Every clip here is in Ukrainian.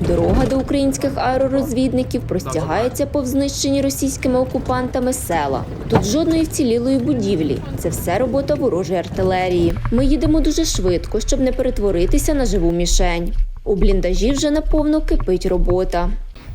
Дорога до українських аеророзвідників простягається повз знищені російськими окупантами села. Тут жодної вцілілої будівлі. Це все робота ворожої артилерії. Ми їдемо дуже швидко, щоб не перетворитися на живу мішень. У бліндажі вже наповно кипить робота.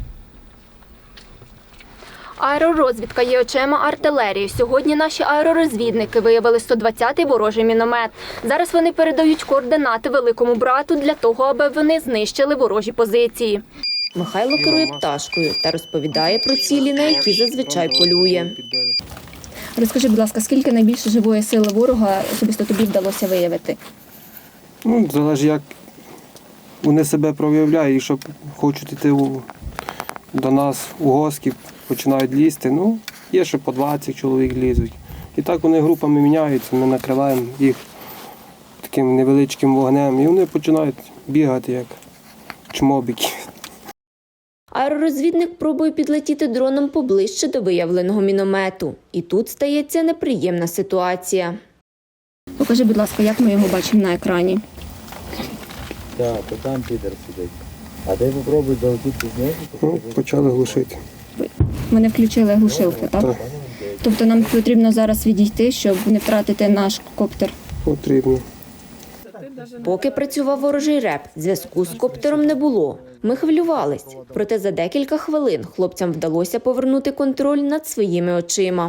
Аеророзвідка є очима артилерії. Сьогодні наші аеророзвідники виявили 120-й ворожий міномет. Зараз вони передають координати великому брату для того, аби вони знищили ворожі позиції. Михайло керує пташкою та розповідає про цілі, на які зазвичай полює. Розкажи, будь ласка, скільки найбільше живої сили ворога особисто тобі вдалося виявити? Залежить, як вони себе проявляють, і що хочуть йти до нас у гості, починають лізти. Є, що по 20 чоловік лізуть. І так вони групами міняються, ми накриваємо їх таким невеличким вогнем, і вони починають бігати, як чмобіки. Аеророзвідник пробує підлетіти дроном поближче до виявленого міномету. І тут стається неприємна ситуація. Покажи, будь ласка, як ми його бачимо на екрані. Так, то там підер сидить. А ти попробуй долетіти з нього. Почали глушити. Ми не включили глушилки, так? Так. Тобто нам потрібно зараз відійти, щоб не втратити наш коптер. Потрібно. Поки працював ворожий реп, зв'язку з коптером не було. Ми хвилювались. Проте за декілька хвилин хлопцям вдалося повернути контроль над своїми очима.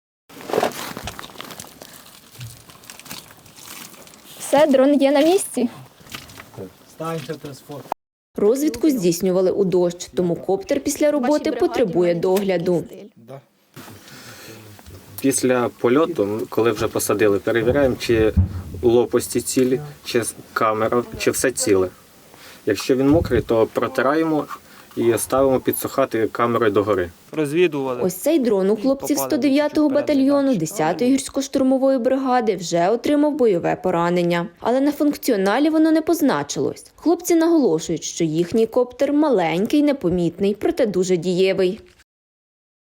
Все, дрон є на місці. Розвідку здійснювали у дощ, тому коптер після роботи потребує догляду. Після польоту, коли вже посадили, перевіряємо, чи лопасті цілі, чи камера, чи все ціле. Якщо він мокрий, то протираємо і ставимо підсухати камерою догори. Розвідували. Ось цей дрон у хлопців 109-го батальйону 10-ї гірсько-штурмової бригади вже отримав бойове поранення. Але на функціоналі воно не позначилось. Хлопці наголошують, що їхній коптер маленький, непомітний, проте дуже дієвий.